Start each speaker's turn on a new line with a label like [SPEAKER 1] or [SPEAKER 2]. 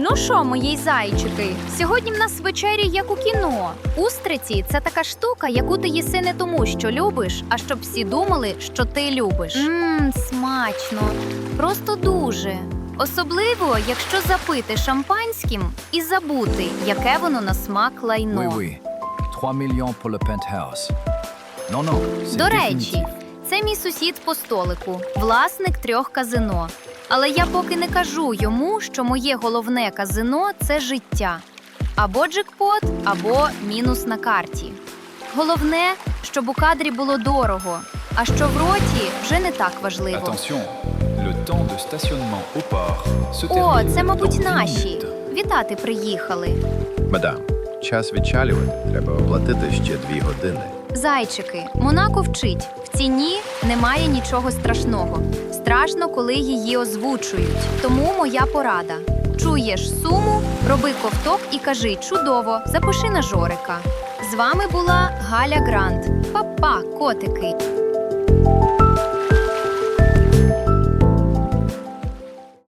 [SPEAKER 1] Ну що, мої зайчики, сьогодні в нас вечеря як у кіно. Устриці – це така штука, яку ти їси не тому, що любиш, а щоб всі думали, що ти любиш. Смачно. Просто дуже. Особливо, якщо запити шампанським і забути, яке воно на смак лайно.
[SPEAKER 2] Oui. 3 millions pour le penthouse. Non, c'est
[SPEAKER 1] До речі,
[SPEAKER 2] définitif.
[SPEAKER 1] це мій сусід по столику, власник 3 казино. Але я поки не кажу йому, що моє головне казино – це життя. Або джекпот, або мінус на карті. Головне, щоб у кадрі було дорого, а що в роті вже не так важливо.
[SPEAKER 2] Attention, le temps de stationnement au port se
[SPEAKER 1] О,
[SPEAKER 2] termine
[SPEAKER 1] це,
[SPEAKER 2] dans
[SPEAKER 1] мабуть,
[SPEAKER 2] 10
[SPEAKER 1] наші.
[SPEAKER 2] minutes.
[SPEAKER 1] Вітати приїхали.
[SPEAKER 3] Мадам, час відчалювати. Треба оплатити ще 2 години.
[SPEAKER 1] Зайчики, Монако вчить. В ціні немає нічого страшного. Страшно, коли її озвучують. Тому моя порада. Чуєш суму, роби ковток і кажи «чудово», запиши на Жорика. З вами була Галя Грант. Па-па, котики!